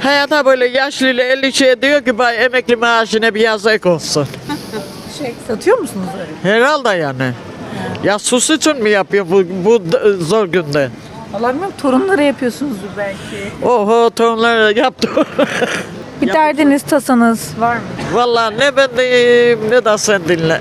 Hayata böyle yaşlıyla 50 şey diyor ki bay emekli maaşına bir yazık olsun. Satıyor musunuz öyle? Herhalde yani. Ya sus için mi yapıyor bu zor günde? Vallahi bilmiyorum, torunlara yapıyorsunuzdur belki. Oho tonları yaptı. Bir derdiniz, tasanız var mı? Vallahi ne ben diyeyim ne de sen dinle.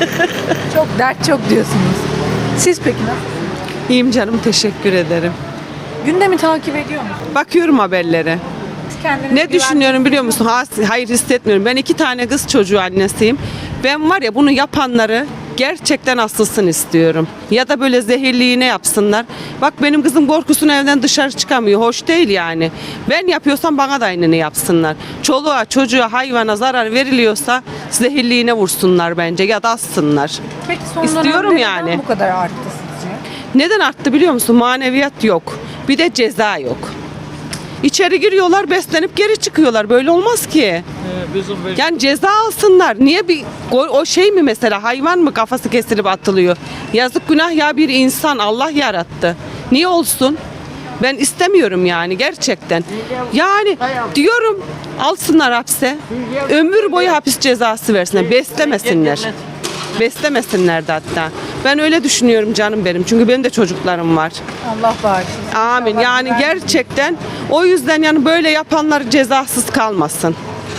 Çok dert çok diyorsunuz. Siz peki nasıl? İyiyim canım, teşekkür ederim. Gündemi takip ediyor musunuz? Bakıyorum haberlere. Siz kendinizi Ne düşünüyorum biliyor musun? Hayır, hissetmiyorum. Ben 2 tane kız çocuğu annesiyim. Ben var ya, bunu yapanları gerçekten asılsın istiyorum. Ya da böyle zehirli iğne yapsınlar. Bak benim kızım korkusuna evden dışarı çıkamıyor. Hoş değil yani. Ben yapıyorsam bana da aynını yapsınlar. Çoluğa, çocuğa, hayvana zarar veriliyorsa zehirli iğne vursunlar bence ya da assınlar. Peki son İstiyorum dönemde yani. neden bu kadar arttı sizce? Neden arttı biliyor musun? Maneviyat yok. Bir de ceza yok. İçeri giriyorlar, beslenip geri çıkıyorlar. Böyle olmaz ki. Yani ceza alsınlar. Niye o şey mi mesela, hayvan mı kafası kesilip atılıyor? Yazık günah ya, bir insan Allah yarattı. Niye olsun? Ben istemiyorum yani gerçekten. Yani diyorum alsınlar hapse. Ömür boyu hapis cezası versinler. Beslemesinler. Beslemesinler de hatta. Ben öyle düşünüyorum canım benim. Çünkü benim de çocuklarım var. Allah bağışlasın. Amin. Yani gerçekten o yüzden yani böyle yapanlar cezasız kalmasın.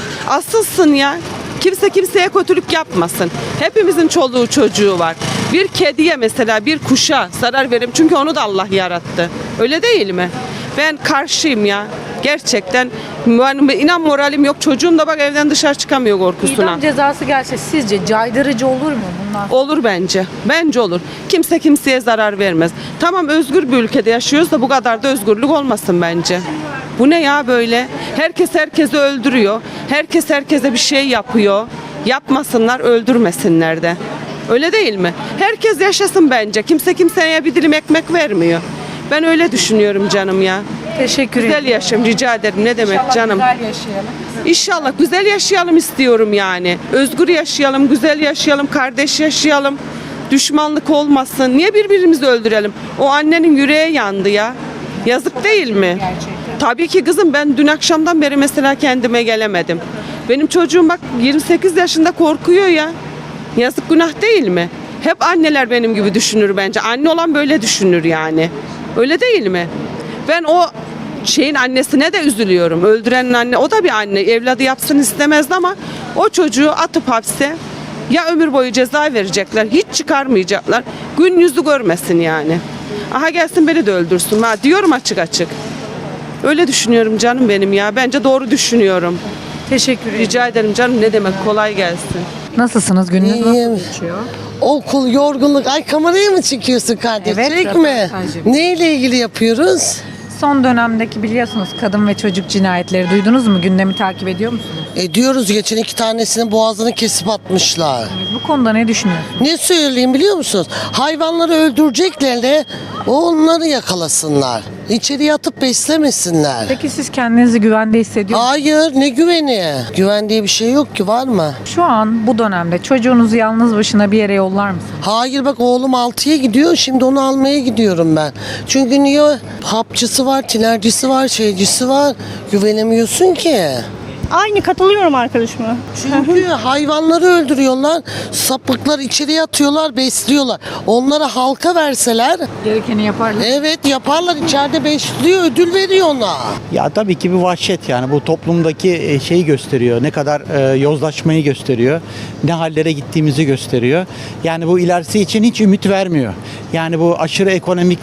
Asılsın ya. Kimse kimseye kötülük yapmasın. Hepimizin çoluğu çocuğu var. Bir kediye mesela, bir kuşa zarar verim. Çünkü onu da Allah yarattı. Öyle değil mi? Ben karşıyım ya. Gerçekten inan moralim yok. Çocuğum da bak evden dışarı çıkamıyor korkusuna. İdam cezası gelse sizce caydırıcı olur mu bunlar? Olur bence. Bence olur. Kimse kimseye zarar vermez. Tamam, özgür bir ülkede yaşıyoruz da bu kadar da özgürlük olmasın bence. Bu ne ya böyle? Herkes herkesi öldürüyor. Herkes herkese bir şey yapıyor. Yapmasınlar, öldürmesinler de. Öyle değil mi? Herkes yaşasın bence. Kimse kimseye bir dilim ekmek vermiyor. Ben öyle düşünüyorum canım ya. Teşekkür ederim. Güzel yaşam rica ederim. Ne demek İnşallah canım? güzel yaşayalım. İnşallah güzel yaşayalım istiyorum yani. Özgür yaşayalım, güzel yaşayalım, kardeş yaşayalım. Düşmanlık olmasın. Niye birbirimizi öldürelim? O annenin yüreği yandı ya. Yazık değil mi? Gerçekten. Tabii ki kızım, ben dün akşamdan beri mesela kendime gelemedim. Benim çocuğum bak 28 yaşında korkuyor ya. Yazık günah değil mi? Hep anneler benim gibi düşünür bence. Anne olan böyle düşünür yani. Öyle değil mi? Ben o şeyin annesine de üzülüyorum. Öldürenin anne, o da bir anne. Evladı yapsın istemezdi ama o çocuğu atıp hapse ya ömür boyu ceza verecekler. Hiç çıkarmayacaklar. Gün yüzü görmesin yani. Aha gelsin beni de öldürsün. Ha, diyorum açık açık. Öyle düşünüyorum canım benim ya. Bence doğru düşünüyorum. Teşekkür ederim. Rica ederim canım, ne demek, kolay gelsin. Nasılsınız? Gününüz İyiyim. nasıl geçiyor? Okul, yorgunluk. Ay kameraya mı çekiyorsun kardeşim? Evet, Çekme. röportajım. Neyle ilgili yapıyoruz? Son dönemdeki biliyorsunuz kadın ve çocuk cinayetleri duydunuz mu? Gündemi takip ediyor musunuz? Ediyoruz. Geçen 2 tanesinin boğazını kesip atmışlar. Bu konuda ne düşünüyorsunuz? Ne söyleyeyim biliyor musunuz? Hayvanları öldürecekler de onları yakalasınlar. İçeriye atıp beslemesinler. Peki siz kendinizi güvende hissediyor musunuz? Hayır, ne güveni? Güven diye bir şey yok ki, var mı? Şu an bu dönemde çocuğunuzu yalnız başına bir yere yollar mısınız? Hayır, bak oğlum 6'ya gidiyor, şimdi onu almaya gidiyorum ben. Çünkü niye? Hapçısı var, tinercisi var, şeycisi var. Güvenemiyorsun ki. Aynı, katılıyorum arkadaşıma. Çünkü hayvanları öldürüyorlar, sapıklar içeriye atıyorlar, besliyorlar. Onlara halka verseler, Gerekeni yaparlar. evet yaparlar, içeride besliyor, ödül veriyor ona. Ya tabii ki bir vahşet, yani bu toplumdaki şeyi gösteriyor. Ne kadar yozlaşmayı gösteriyor. Ne hallere gittiğimizi gösteriyor. Yani bu ilerisi için hiç ümit vermiyor. Yani bu aşırı ekonomik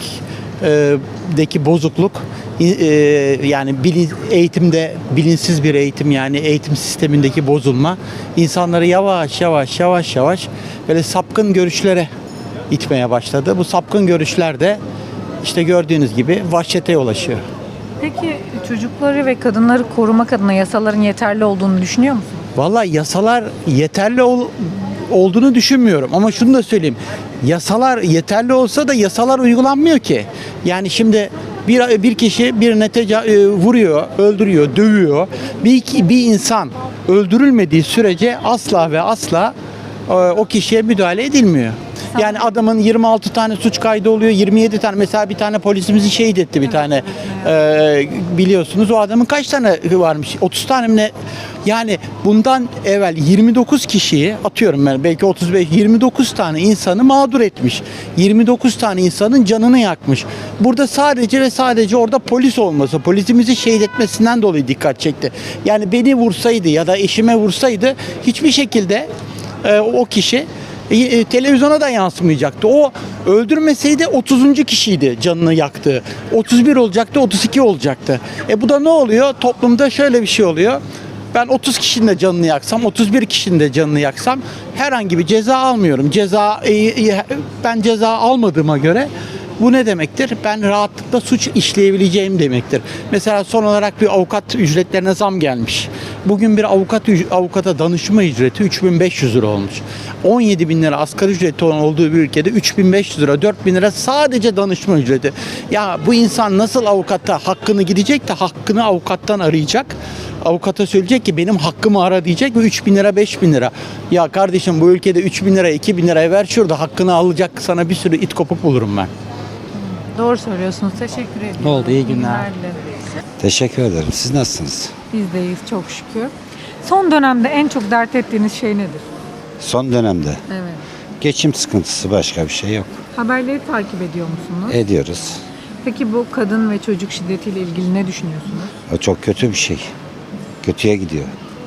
deki bozukluk, yani eğitimde bilinçsiz bir eğitim, yani eğitim sistemindeki bozulma insanları yavaş yavaş böyle sapkın görüşlere itmeye başladı. Bu sapkın görüşler de işte gördüğünüz gibi vahşete yol açıyor. Peki çocukları ve kadınları korumak adına yasaların yeterli olduğunu düşünüyor musunuz? Vallahi yasalar yeterli olduğunu düşünmüyorum ama şunu da söyleyeyim. Yasalar yeterli olsa da yasalar uygulanmıyor ki. Yani şimdi bir kişi birine vuruyor, öldürüyor, dövüyor. Bir insan öldürülmediği sürece asla ve asla o kişiye müdahale edilmiyor. Yani adamın 26 tane suç kaydı oluyor, 27 tane. Mesela bir tane polisimizi şehit etti bir tane. Biliyorsunuz o adamın kaç tane varmış? 30 tane mi ne? Yani bundan evvel 29 kişiyi atıyorum ben, belki 35, 29 tane insanı mağdur etmiş. 29 tane insanın canını yakmış. Burada sadece ve sadece orada polis olması, polisimizi şehit etmesinden dolayı dikkat çekti. Yani beni vursaydı ya da eşime vursaydı hiçbir şekilde o kişi televizyona da yansımayacaktı. O öldürmeseydi 30. kişiydi canını yaktığı. 31 olacaktı, 32 olacaktı. Bu da ne oluyor? Toplumda şöyle bir şey oluyor. Ben 30 kişinin de canını yaksam, 31 kişinin de canını yaksam herhangi bir ceza almıyorum. Ben ceza almadığıma göre bu ne demektir? Ben rahatlıkla suç işleyebileceğim demektir. Mesela son olarak bir avukat ücretlerine zam gelmiş. Bugün bir avukata danışma ücreti 3.500 lira olmuş. 17.000 lira asgari ücreti olan olduğu bir ülkede 3.500 lira, 4.000 lira sadece danışma ücreti. Ya bu insan nasıl avukata hakkını gidecek de hakkını avukattan arayacak? Avukata söyleyecek ki benim hakkımı ara diyecek ve 3.000 lira, 5.000 lira. Ya kardeşim bu ülkede 3.000 lira, 2.000 liraya ver şurada hakkını alacak sana bir sürü it kopuk bulurum ben. Doğru söylüyorsunuz. Teşekkür ederim. Oldu, iyi günler. dilerim. Teşekkür ederim. Siz nasılsınız? Biz deyiz çok şükür. Son dönemde en çok dert ettiğiniz şey nedir? Son dönemde Evet. geçim sıkıntısı, başka bir şey yok. Haberleri takip ediyor musunuz? Ediyoruz. Peki bu kadın ve çocuk şiddetiyle ilgili ne düşünüyorsunuz? O çok kötü bir şey. Kötüye gidiyor.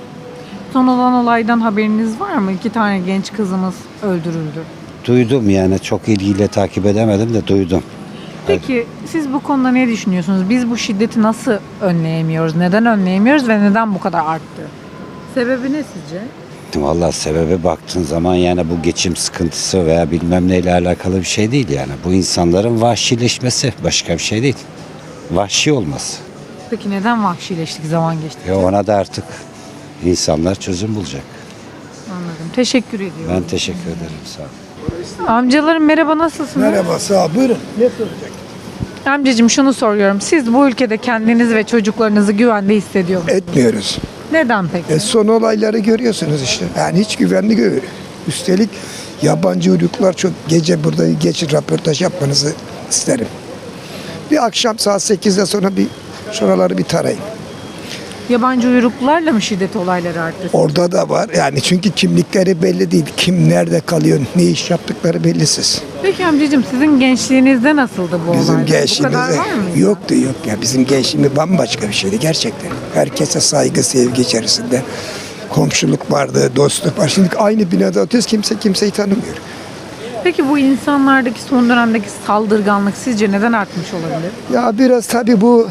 Son olan olaydan haberiniz var mı? 2 tane genç kızımız öldürüldü. Duydum, yani çok ilgiyle takip edemedim de duydum. Peki siz bu konuda ne düşünüyorsunuz? Biz bu şiddeti nasıl önleyemiyoruz? Neden önleyemiyoruz ve neden bu kadar arttı? Sebebi ne sizce? Vallahi sebebe baktığın zaman yani bu geçim sıkıntısı veya bilmem neyle alakalı bir şey değil yani. Bu insanların vahşileşmesi, başka bir şey değil. Vahşi olması. Peki neden vahşileştik zaman geçti? Ona da artık insanlar çözüm bulacak. Anladım. Teşekkür ediyorum. Ben teşekkür ederim. Sağ olun. Amcalarım merhaba, nasılsınız? Merhaba, sağ ol. Buyurun. Ne soracak? Amcacığım şunu soruyorum. Siz bu ülkede kendinizi ve çocuklarınızı güvende hissediyor musunuz? Etmiyoruz. Neden peki? Son olayları görüyorsunuz işte. Yani hiç güvenli görüyor. Üstelik yabancı uyruklar çok, gece burada geçin röportaj yapmanızı isterim. Bir akşam saat 8'de sonra bir şuraları bir tarayın. Yabancı uyruklularla mı şiddet olayları arttı? Orada da var. Yani çünkü kimlikleri belli değil. Kim nerede kalıyor, ne iş yaptıkları bellisiz. Peki amcacığım sizin gençliğinizde nasıldı bu Bizim olaylar? Bu gençliğimizde kadar var mıydı? yoktu yok ya. Bizim gençliğimiz bambaşka bir şeydi gerçekten. Herkese saygı, sevgi içerisinde. Komşuluk vardı, dostluk var. Şimdi aynı binada oturuyoruz, kimse kimseyi tanımıyor. Peki bu insanlardaki son dönemdeki saldırganlık sizce neden artmış olabilir? Ya biraz tabii bu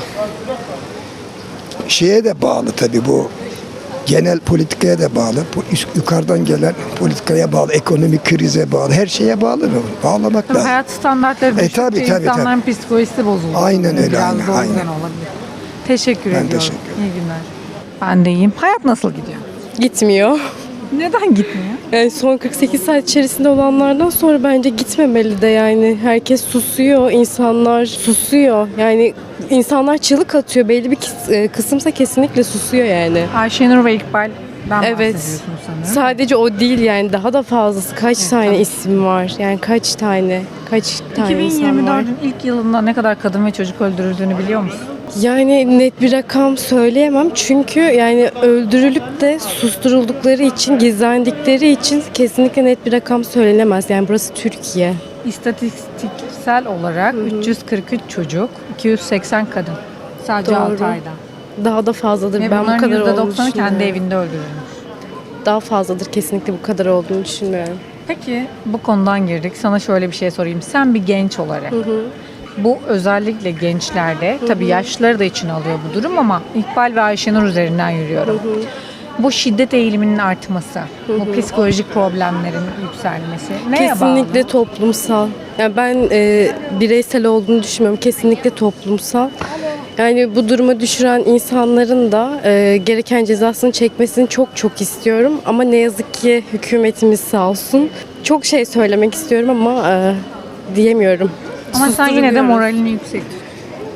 şeye de bağlı tabii, bu genel politikaya da bağlı. Bu yukarıdan gelen politikaya bağlı, ekonomik krize bağlı, her şeye bağlı mı? Bağlamak Tabii lazım. hayat standartları düştükçe tabii, insanların psikolojisi bozuldu. Aynen öyle, Biraz aynen, da o yüzden aynen. olabilir. Teşekkür ediyorum. teşekkür ederim. İyi günler. Ben de iyiyim. Hayat nasıl gidiyor? Gitmiyor. Neden gitmiyor? Yani son 48 saat içerisinde olanlardan sonra bence gitmemeli de yani. Herkes susuyor, insanlar susuyor. Yani insanlar çığlık atıyor. Belli bir kısımsa kesinlikle susuyor yani. Ayşenur ve İkbal'den Evet. bahsediyorsunuz sanırım. Sadece o değil yani, daha da fazlası. Kaç tane tabii. isim var? Yani kaç tane insan var? 2024'ün ilk yılında ne kadar kadın ve çocuk öldürüldüğünü biliyor musun? Yani net bir rakam söyleyemem çünkü yani öldürülüp de susturuldukları için, gizlendikleri için kesinlikle net bir rakam söylenemez. Yani burası Türkiye. İstatistiksel olarak 343 çocuk, 280 kadın. Sadece Doğru. 6 ayda. Daha da fazladır. Ve Ben bu bunların kadar olduğunu %90'ı kendi düşünmüyorum. evinde öldürülmüş. Daha fazladır, kesinlikle bu kadar olduğunu düşünmüyorum. Peki bu konudan girdik. Sana şöyle bir şey sorayım. Sen bir genç olarak bu özellikle gençlerde, tabii yaşlıları da için alıyor bu durum ama İkbal ve Ayşenur üzerinden yürüyorum. Bu şiddet eğiliminin artması, bu psikolojik problemlerin yükselmesi neye Kesinlikle bağlı? toplumsal. Yani ben bireysel olduğunu düşünmüyorum. Kesinlikle toplumsal. Yani bu duruma düşüren insanların da gereken cezasını çekmesini çok çok istiyorum. Ama ne yazık ki hükümetimiz sağ olsun. Çok şey söylemek istiyorum ama diyemiyorum. Ama sen yine de Susturuyoruz. moralini yüksek.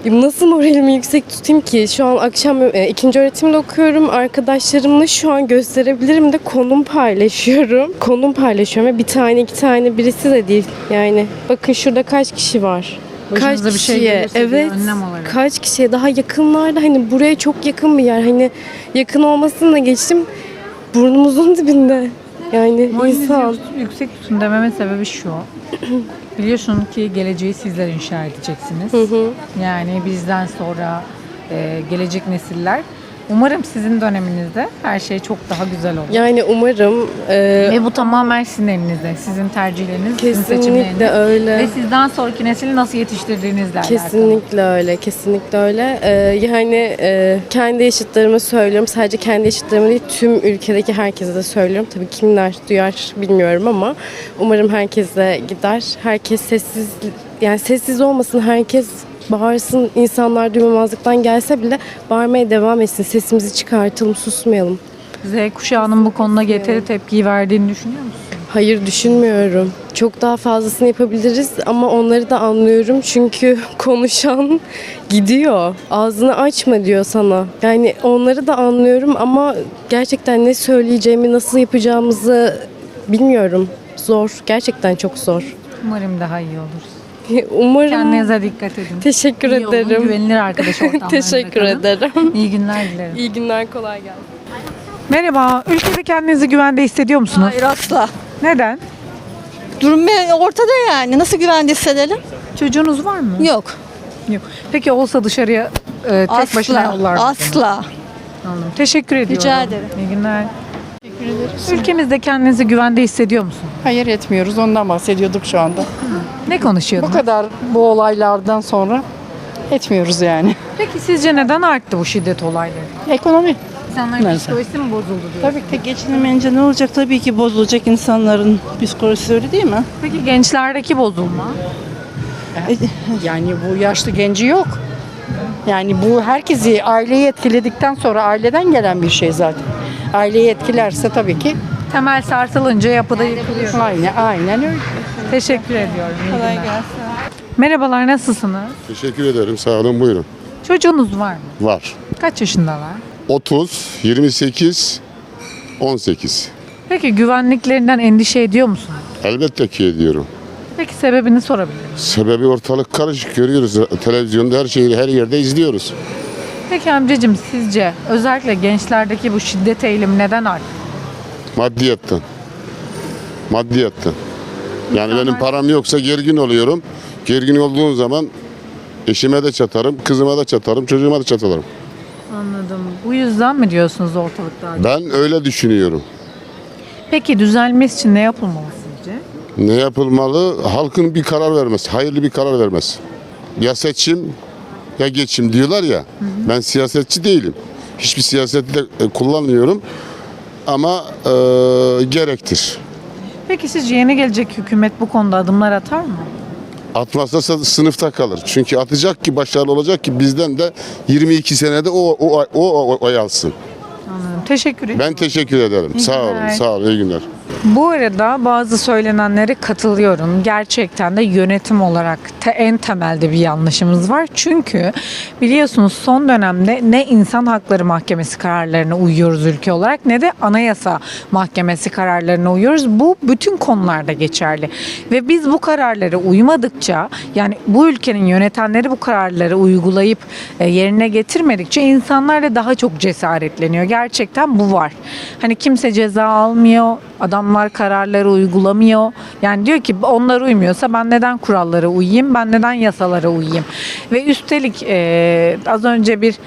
Nasıl moralimi yüksek tutayım ki? Şu an akşam ikinci öğretimde okuyorum. Arkadaşlarımla şu an gösterebilirim de konum paylaşıyorum. Konum paylaşıyorum ve bir tane iki tane birisi de değil. Yani bakın şurada kaç kişi var. Başınıza bir şey gelirse bir evet, önlem olarak. kaç kişiye daha yakınlarda, hani buraya çok yakın bir yer, hani yakın olmasını da geçtim, burnumuzun dibinde yani Moralinizi insan. yüksek tutun dememin sebebi şu. Biliyorsun ki geleceği sizler inşa edeceksiniz. Yani bizden sonra gelecek nesiller. Umarım sizin döneminizde her şey çok daha güzel olur. Yani umarım Ve bu tamamen sizin elinizde. Sizin tercihleriniz, sizin seçimleriniz. kesinlikle öyle. Ve sizden sonraki nesili nasıl yetiştirdiğinizle alakalı. Kesinlikle öyle, kesinlikle öyle. Yani kendi yaşıtlarıma söylüyorum, sadece kendi yaşıtlarıma değil, tüm ülkedeki herkese de söylüyorum. Tabii kimler duyar bilmiyorum ama umarım herkese gider. Herkes sessiz, yani sessiz olmasın, herkes bağırsın, insanlar duymamazlıktan gelse bile bağırmaya devam etsin. Sesimizi çıkartalım, susmayalım. Z kuşağının bu konuda yeteri tepkiyi verdiğini düşünüyor musun? Hayır, düşünmüyorum. Çok daha fazlasını yapabiliriz ama onları da anlıyorum. Çünkü konuşan gidiyor. Ağzını açma diyor sana. Yani onları da anlıyorum ama gerçekten ne söyleyeceğimi, nasıl yapacağımızı bilmiyorum. Zor. Gerçekten çok zor. Umarım daha iyi olur. Umarım. Kendinize dikkat edin. Teşekkür İyi olun, ederim. güvenilir arkadaş ortamlarında Teşekkür kalın. ederim. İyi günler dilerim. İyi günler, kolay gelsin. Merhaba, ülkede kendinizi güvende hissediyor musunuz? Hayır asla. Neden? Durum ortada yani. Nasıl güvende hissedelim? Çocuğunuz var mı? Yok. Yok. Peki olsa dışarıya tek başına yollar mısınız? Asla. Anladım. Teşekkür ediyorum. Rica ederim. İyi günler. Ülkemizde kendinizi güvende hissediyor musun? Hayır, etmiyoruz. Ondan bahsediyorduk şu anda. Ne konuşuyordun? Bu kadar bu olaylardan sonra etmiyoruz yani. Peki sizce neden arttı bu şiddet olayları? Ekonomi. İnsanların Neyse. psikolojisi mi bozuldu diyor. Tabii ki. Geçinemeyince ne olacak? Tabii ki bozulacak insanların psikolojisi, öyle değil mi? Peki gençlerdeki bozulma? Yani bu yaşlı genci yok. Yani bu herkesi, aileyi etkiledikten sonra aileden gelen bir şey zaten. Aileyi etkilerse tabii ki Temel sarsılınca yapıda yıkılıyor. aynen öyle. Teşekkür ediyorum. Kolay gelsin. Merhabalar, nasılsınız? Teşekkür ederim. Sağ olun. Buyurun. Çocuğunuz var mı? Var. Kaç yaşındalar? 30, 28, 18. Peki güvenliklerinden endişe ediyor musunuz? Elbette ki ediyorum. Peki sebebini sorabilir miyim? Sebebi ortalık karışık, görüyoruz. Televizyonda her şeyi her yerde izliyoruz. Peki amcacığım, sizce özellikle gençlerdeki bu şiddet eğilimi neden arttı? Maddiyattan. Maddiyattan. Yani benim param yoksa gergin oluyorum. Gergin olduğum zaman eşime de çatarım, kızıma da çatarım, çocuğuma da çatarım. Anladım. Bu yüzden mi diyorsunuz ortalıkta? Ben öyle düşünüyorum. Peki düzelmesi için ne yapılmalı sizce? Ne yapılmalı? Halkın bir karar vermesi, hayırlı bir karar vermesi. Ya seçim ya geçim diyorlar ya. Ben siyasetçi değilim. Hiçbir siyaseti de kullanmıyorum. Ama gerektir. Peki sizce yeni gelecek hükümet bu konuda adımlar atar mı? Atmazsa sınıfta kalır. Çünkü atacak ki başarılı olacak ki bizden de 22 senede o oy alsın. Anladım. Teşekkür ederim. Ben teşekkür ederim. İyi Sağ olun. günler. Sağ olun. İyi günler. Bu arada bazı söylenenlere katılıyorum. Gerçekten de yönetim olarak en temelde bir yanlışımız var. Çünkü biliyorsunuz son dönemde ne insan hakları mahkemesi kararlarına uyuyoruz ülke olarak ne de anayasa mahkemesi kararlarına uyuyoruz. Bu bütün konularda geçerli. Ve biz bu kararlara uymadıkça, yani bu ülkenin yönetenleri bu kararları uygulayıp yerine getirmedikçe insanlar da daha çok cesaretleniyor. Gerçekten bu var. Hani kimse ceza almıyor. Adamlar kararları uygulamıyor. Yani diyor ki onlar uymuyorsa ben neden kurallara uyayım, ben neden yasalara uyayım. Ve üstelik az önce bir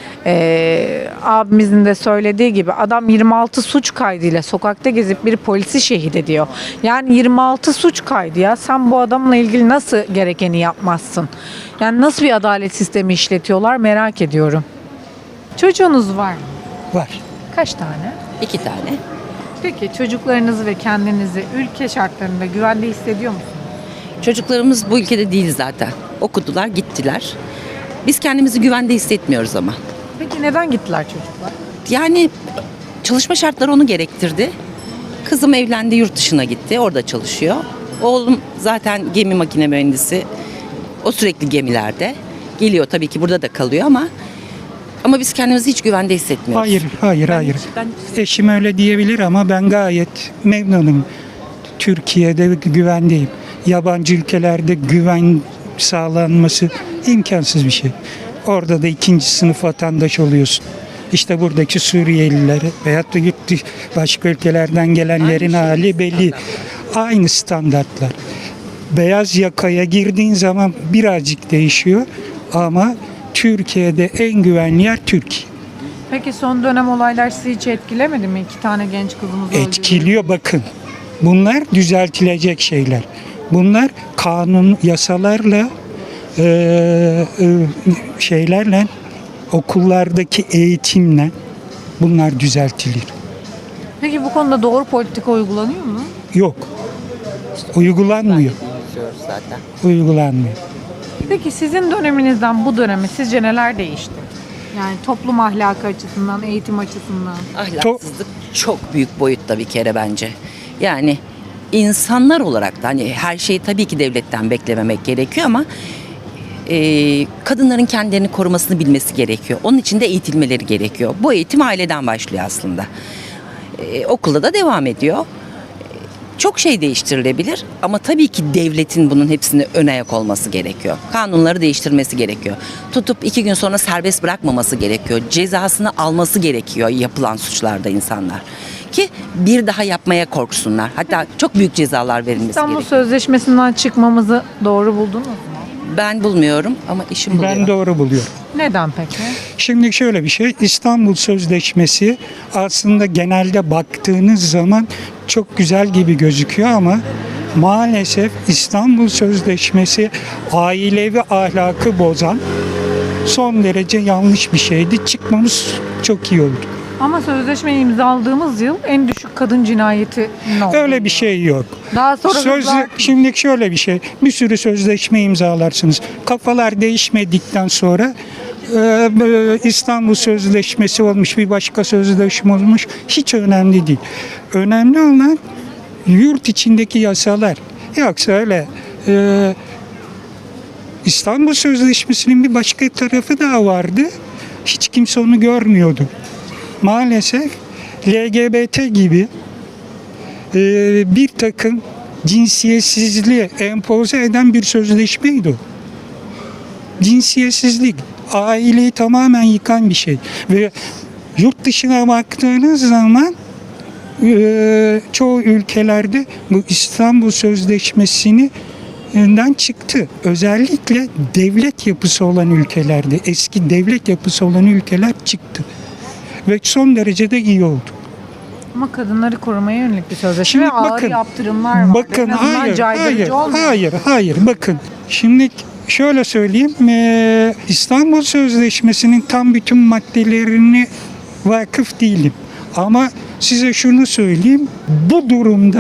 abimizin de söylediği gibi adam 26 suç kaydıyla sokakta gezip bir polisi şehit ediyor. Yani 26 suç kaydı ya. Sen bu adamla ilgili nasıl gerekeni yapmazsın? Yani nasıl bir adalet sistemi işletiyorlar merak ediyorum. Çocuğunuz var mı? Var. Kaç tane? 2 tane. Peki çocuklarınızı ve kendinizi ülke şartlarında güvende hissediyor musunuz? Çocuklarımız bu ülkede değil zaten. Okudular, gittiler. Biz kendimizi güvende hissetmiyoruz ama. Peki neden gittiler çocuklar? Yani çalışma şartları onu gerektirdi. Kızım evlendi, yurt dışına gitti. Orada çalışıyor. Oğlum zaten gemi makine mühendisi. O sürekli gemilerde. geliyor tabii ki burada da kalıyor ama biz kendimizi hiç güvende hissetmiyoruz. Hayır. Eşim öyle diyebilir ama ben gayet memnunum. Türkiye'de güvendeyim. Yabancı ülkelerde güven sağlanması imkansız bir şey. Orada da ikinci sınıf vatandaş oluyorsun. İşte buradaki Suriyeliler veyahut da başka ülkelerden gelenlerin hali belli. Aynı standartlar. Beyaz yakaya girdiğin zaman birazcık değişiyor ama Türkiye'de en güvenli yer Türkiye. Peki son dönem olaylar sizi hiç etkilemedi mi? 2 tane genç kızımız öldü. Etkiliyor bakın. Bunlar düzeltilecek şeyler. Bunlar kanun, yasalarla, şeylerle, okullardaki eğitimle bunlar düzeltilir. Peki bu konuda doğru politika uygulanıyor mu? Yok. Uygulanmıyor. Uygulanmıyor. Peki sizin döneminizden bu döneme sizce neler değişti? Yani toplum ahlakı açısından, eğitim açısından. Ahlaksızlık çok büyük boyutta bir kere bence. Yani insanlar olarak da hani her şeyi tabii ki devletten beklememek gerekiyor ama kadınların kendilerini korumasını bilmesi gerekiyor. Onun için de eğitilmeleri gerekiyor. Bu eğitim aileden başlıyor aslında. Okulda da devam ediyor. Çok şey değiştirilebilir ama tabii ki devletin bunun hepsine ön ayak olması gerekiyor. Kanunları değiştirmesi gerekiyor. Tutup 2 gün sonra serbest bırakmaması gerekiyor. Cezasını alması gerekiyor yapılan suçlarda insanlar. Ki bir daha yapmaya korksunlar. Hatta çok büyük cezalar verilmesi İstanbul gerekiyor. Sözleşmesi'nden çıkmamızı doğru buldunuz mu? Ben bulmuyorum ama işim buluyor. Ben doğru buluyorum. Neden peki? Şimdi şöyle bir şey, İstanbul Sözleşmesi aslında genelde baktığınız zaman çok güzel gibi gözüküyor ama maalesef İstanbul Sözleşmesi ailevi ahlakı bozan son derece yanlış bir şeydi. Çıkmamız çok iyi oldu. Ama sözleşmeyi imzaladığımız yıl en düşük kadın cinayeti oldu. Öyle bir şey yok. Daha sonra Şimdi şöyle bir şey, bir sürü sözleşme imzalarsınız. Kafalar değişmedikten sonra İstanbul Sözleşmesi olmuş, bir başka sözleşme olmuş, hiç önemli değil. Önemli olan yurt içindeki yasalar. Yoksa öyle İstanbul Sözleşmesi'nin bir başka tarafı daha vardı. Hiç kimse onu görmüyordu. Maalesef LGBT gibi bir takım cinsiyetsizliği empoze eden bir sözleşmeydi o. Cinsiyetsizlik, aileyi tamamen yıkan bir şey. Ve yurt dışına baktığınız zaman çoğu ülkelerde bu İstanbul Sözleşmesi'nden çıktı. Özellikle devlet yapısı olan ülkelerde, eski devlet yapısı olan ülkeler çıktı. Ve son derece de iyi oldu. ama kadınları korumaya yönelik bir sözleşme ve ağır bakın, yaptırımlar var. Bakın Hayır. hayır bakın. Şimdi şöyle söyleyeyim. İstanbul Sözleşmesi'nin tam bütün maddelerine vakıf değilim. Ama size şunu söyleyeyim. Bu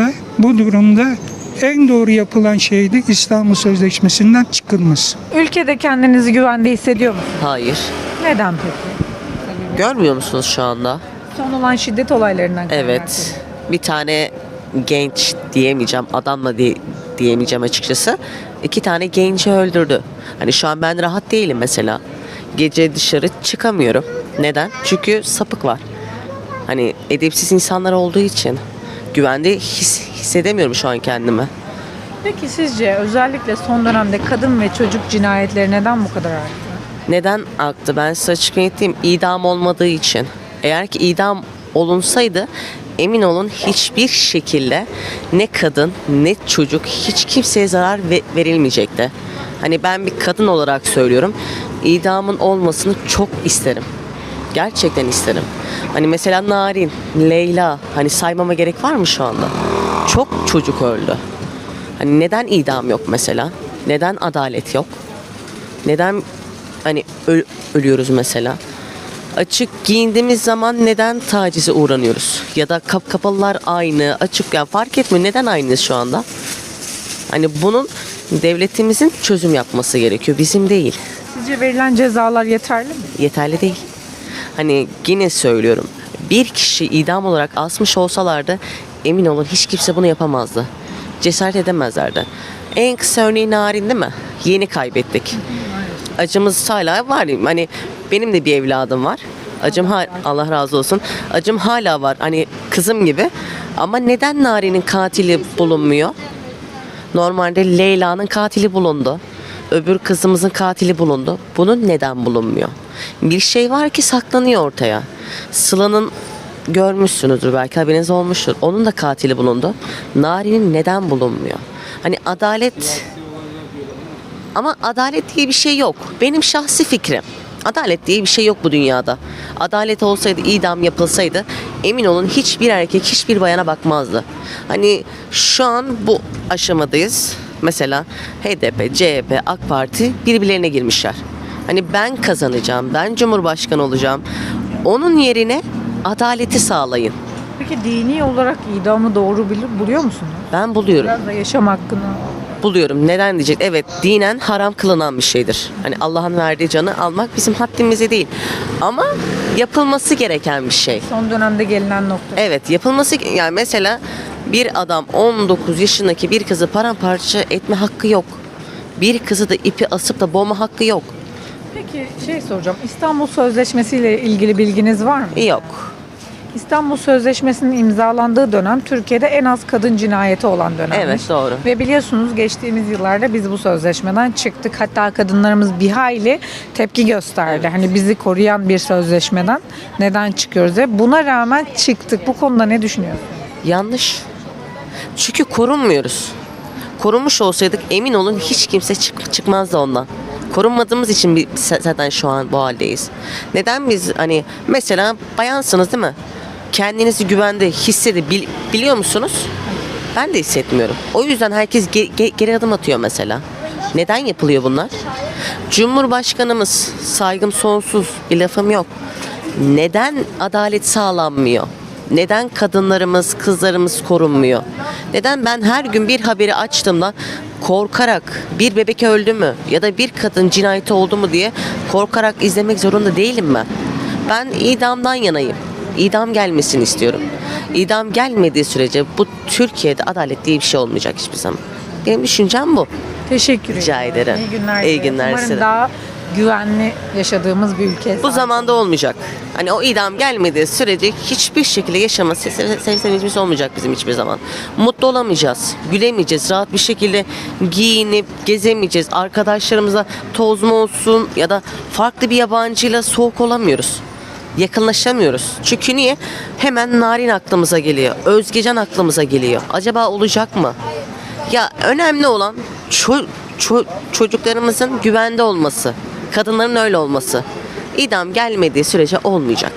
durumda en doğru yapılan şey de İstanbul Sözleşmesi'nden çıkılması. Ülkede kendinizi güvende hissediyor musunuz? Hayır. Neden peki? Görmüyor musunuz şu anda? Son olan şiddet olaylarından kaynaklı. Evet. Bir tane genç diyemeyeceğim, adamla diyemeyeceğim açıkçası. 2 tane genci öldürdü. Hani şu an ben rahat değilim mesela. Gece dışarı çıkamıyorum. Neden? Çünkü sapık var. Hani edepsiz insanlar olduğu için güvende hissedemiyorum şu an kendimi. Peki sizce özellikle son dönemde kadın ve çocuk cinayetleri neden bu kadar arttı? Neden arttı? Ben size açık ettiğim idam olmadığı için. Eğer ki idam olunsaydı emin olun hiçbir şekilde ne kadın ne çocuk hiç kimseye zarar verilmeyecekti. Hani ben bir kadın olarak söylüyorum. İdamın olmasını çok isterim. Gerçekten isterim. Hani mesela Narin, Leyla hani saymama gerek var mı şu anda? Çok çocuk öldü. Hani neden idam yok mesela? Neden adalet yok? Neden hani ölüyoruz mesela? Açık giyindiğimiz zaman neden tacize uğranıyoruz? Ya da kapalılar aynı, açık yani fark etmiyor. Neden aynıyız şu anda? Hani bunun devletimizin çözüm yapması gerekiyor. Bizim değil. Sizce verilen cezalar yeterli mi? Yeterli değil. Hani yine söylüyorum. Bir kişi idam olarak asmış olsalardı emin olun hiç kimse bunu yapamazdı. Cesaret edemezlerdi. En kısa örneği Narin değil mi? Yeni kaybettik. acımız hala var. Hani benim de bir evladım var. Allah razı olsun. Acım hala var. Hani kızım gibi. Ama neden Nari'nin katili bulunmuyor? Normalde Leyla'nın katili bulundu. Öbür kızımızın katili bulundu. Bunun neden bulunmuyor? Bir şey var ki saklanıyor ortaya. Sıla'nın görmüşsünüzdür, belki haberiniz olmuştur. Onun da katili bulundu. Nari'nin neden bulunmuyor? Hani adalet, ama adalet diye bir şey yok. Benim şahsi fikrim. Adalet diye bir şey yok bu dünyada. Adalet olsaydı, idam yapılsaydı, emin olun hiçbir erkek hiçbir bayana bakmazdı. Hani şu an bu aşamadayız. Mesela HDP, CHP, AK Parti birbirlerine girmişler. Hani ben kazanacağım, ben Cumhurbaşkanı olacağım. Onun yerine adaleti sağlayın. Peki dini olarak idamı doğru buluyor musunuz? Ben buluyorum. Biraz da yaşam hakkını. Buluyorum. Neden diyecek? Evet, dinen haram kılınan bir şeydir. Hani Allah'ın verdiği canı almak bizim haddimize değil. Ama yapılması gereken bir şey. Son dönemde gelinen nokta. Evet, yapılması, yani mesela bir adam 19 yaşındaki bir kızı paramparça etme hakkı yok. Bir kızı da ipi asıp da boğma hakkı yok. Peki soracağım. İstanbul Sözleşmesi ile ilgili bilginiz var mı? Yok. İstanbul Sözleşmesi'nin imzalandığı dönem Türkiye'de en az kadın cinayeti olan dönemmiş. Evet, doğru. Ve biliyorsunuz geçtiğimiz yıllarda biz bu sözleşmeden çıktık. Hatta kadınlarımız bir hayli tepki gösterdi. Hani bizi koruyan bir sözleşmeden neden çıkıyoruz diye. Buna rağmen çıktık. Bu konuda ne düşünüyorsunuz? Yanlış. Çünkü korunmuyoruz. Korunmuş olsaydık emin olun hiç kimse çıkmazdı ondan. Korunmadığımız için zaten şu an bu haldeyiz. Neden biz hani mesela bayansınız değil mi? Kendinizi güvende hissedebiliyor musunuz? Ben de hissetmiyorum. O yüzden herkes geri adım atıyor mesela. Neden yapılıyor bunlar? Cumhurbaşkanımız, saygım sonsuz, bir lafım yok. Neden adalet sağlanmıyor? Neden kadınlarımız, kızlarımız korunmuyor? Neden ben her gün bir haberi açtığımda korkarak bir bebek öldü mü ya da bir kadın cinayeti oldu mu diye korkarak izlemek zorunda değilim ben. Ben idamdan yanayım. İdam gelmesini istiyorum. İdam gelmediği sürece bu Türkiye'de adalet diye bir şey olmayacak hiçbir zaman. Benim düşüncem bu. Teşekkür ederim. Rica ederim. İyi günler. İyi günler Umarım size. daha güvenli yaşadığımız bir ülke. Bu zamanda olmayacak. Hani o idam gelmediği sürece hiçbir şekilde yaşama sevincimiz olmayacak bizim hiçbir zaman. Mutlu olamayacağız, gülemeyeceğiz, rahat bir şekilde giyinip gezemeyeceğiz. Arkadaşlarımıza toz mu olsun ya da farklı bir yabancıyla soğuk olamıyoruz. Yakınlaşamıyoruz. Çünkü niye? Hemen Narin aklımıza geliyor. Özgecan aklımıza geliyor. Acaba olacak mı? Ya önemli olan çocuklarımızın güvende olması. Kadınların öyle olması. İdam gelmediği sürece olmayacak.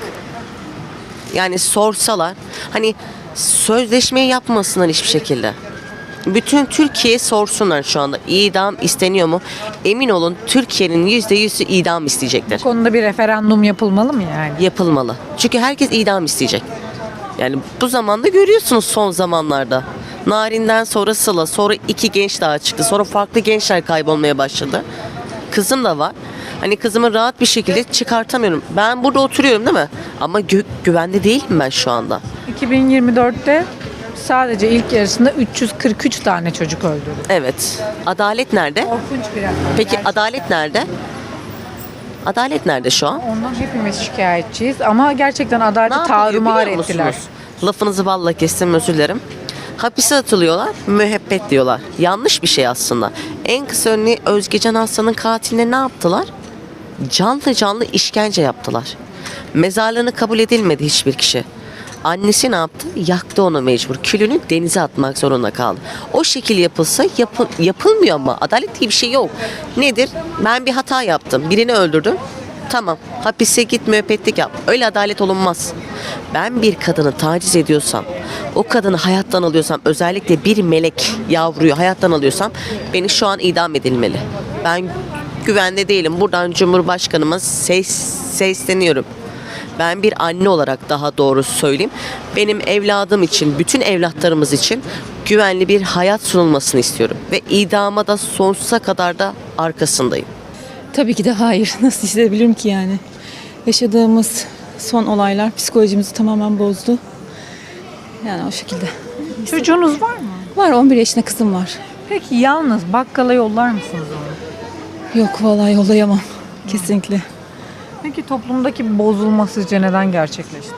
Yani sorsalar hani sözleşmeyi yapmasınlar hiçbir şekilde. Bütün Türkiye sorsunlar şu anda idam isteniyor mu? Emin olun Türkiye'nin %100'ü idam isteyecekler. Bu konuda bir referandum yapılmalı mı yani? Yapılmalı. Çünkü herkes idam isteyecek. Yani bu zamanda görüyorsunuz son zamanlarda. Narin'den sonra Sıla, sonra 2 genç daha çıktı. Sonra farklı gençler kaybolmaya başladı. Kızım da var. Hani kızımı rahat bir şekilde çıkartamıyorum. Ben burada oturuyorum değil mi? Ama güvende değilim ben şu anda. 2024'te sadece ilk yarısında 343 tane çocuk öldürdü. Evet. Adalet nerede? Korkunç bir rakam. Peki Gerçekten. adalet nerede? Adalet nerede şu an? Ondan hepimiz şikayetçiyiz ama gerçekten Ne adaleti yapılıyor tarumar biliyor ettiler. musunuz? Lafınızı balla kestim, özür dilerim. Hapise atılıyorlar, müebbet diyorlar. Yanlış bir şey aslında. En kısa örneği Özgecan Aslan'ın katiline ne yaptılar? Canlı canlı işkence yaptılar. Mezarlığını kabul edilmedi hiçbir kişi. Annesi ne yaptı? Yaktı onu mecbur. Külünü denize atmak zorunda kaldı. O şekil yapılsa yapılmıyor ama adalet diye bir şey yok. Nedir? Ben bir hata yaptım. Birini öldürdüm. Tamam. Hapise git, müebbetlik yap. Öyle adalet olunmaz. Ben bir kadını taciz ediyorsam, o kadını hayattan alıyorsam, özellikle bir melek yavruyu hayattan alıyorsam beni şu an idam edilmeli. Ben güvende değilim. Buradan Cumhurbaşkanıma sesleniyorum. Ben bir anne olarak daha doğrusu söyleyeyim. Benim evladım için, bütün evlatlarımız için güvenli bir hayat sunulmasını istiyorum. Ve idama da sonsuza kadar da arkasındayım. Tabii ki de hayır. Nasıl hissedebilirim ki yani? Yaşadığımız son olaylar psikolojimizi tamamen bozdu. Yani o şekilde. Çocuğunuz var mı? Var, 11 yaşında kızım var. Peki yalnız bakkala yollar mısınız onu? Yok vallahi yollayamam. Kesinlikle. Peki toplumdaki bozulma sizce neden gerçekleşti?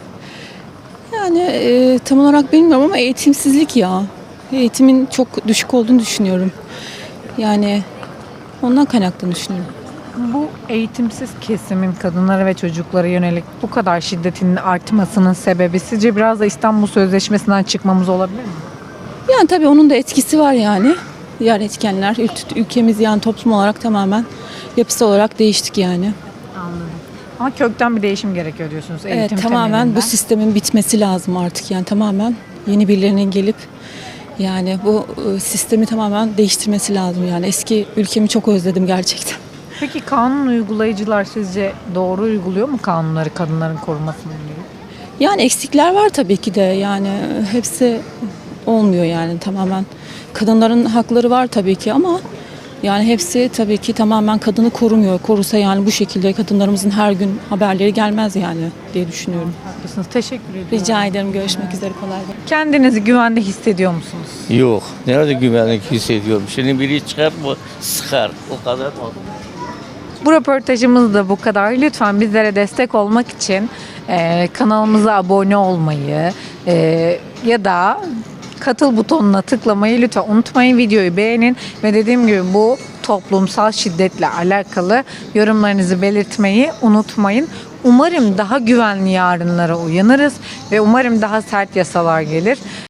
Yani tam olarak bilmiyorum ama eğitimsizlik ya. Eğitimin çok düşük olduğunu düşünüyorum. Yani ondan kaynaklı düşünüyorum. Bu eğitimsiz kesimin kadınlara ve çocuklara yönelik bu kadar şiddetin artmasının sebebi sizce biraz da İstanbul Sözleşmesi'nden çıkmamız olabilir mi? Yani tabii onun da etkisi var yani. Diğer etkenler. Ülkemiz yani toplum olarak tamamen yapısal olarak değiştik yani. Anladım. Ama kökten bir değişim gerekiyor diyorsunuz eğitim Evet, tamamen temelinden. bu sistemin bitmesi lazım artık yani tamamen yeni birilerinin gelip yani bu sistemi tamamen değiştirmesi lazım yani eski ülkemi çok özledim gerçekten. Peki kanun uygulayıcılar sizce doğru uyguluyor mu kanunları kadınların korumasına yönelik? Yani eksikler var tabii ki de yani hepsi olmuyor yani tamamen kadınların hakları var tabii ki ama yani hepsi tabii ki tamamen kadını korumuyor. Korusa yani bu şekilde kadınlarımızın her gün haberleri gelmez yani diye düşünüyorum. Haklısınız. Teşekkür ediyorum. Rica ederim. Görüşmek üzere. Kolay gelsin. Kendinizi güvende hissediyor musunuz? Yok. Nerede güvenlik hissediyorum? Şimdi biri çıkar mı sıkar. O kadar mı? Bu röportajımız da bu kadar. Lütfen bizlere destek olmak için kanalımıza abone olmayı ya da katıl butonuna tıklamayı lütfen unutmayın. Videoyu beğenin ve dediğim gibi bu toplumsal şiddetle alakalı yorumlarınızı belirtmeyi unutmayın. Umarım daha güvenli yarınlara uyanırız ve umarım daha sert yasalar gelir.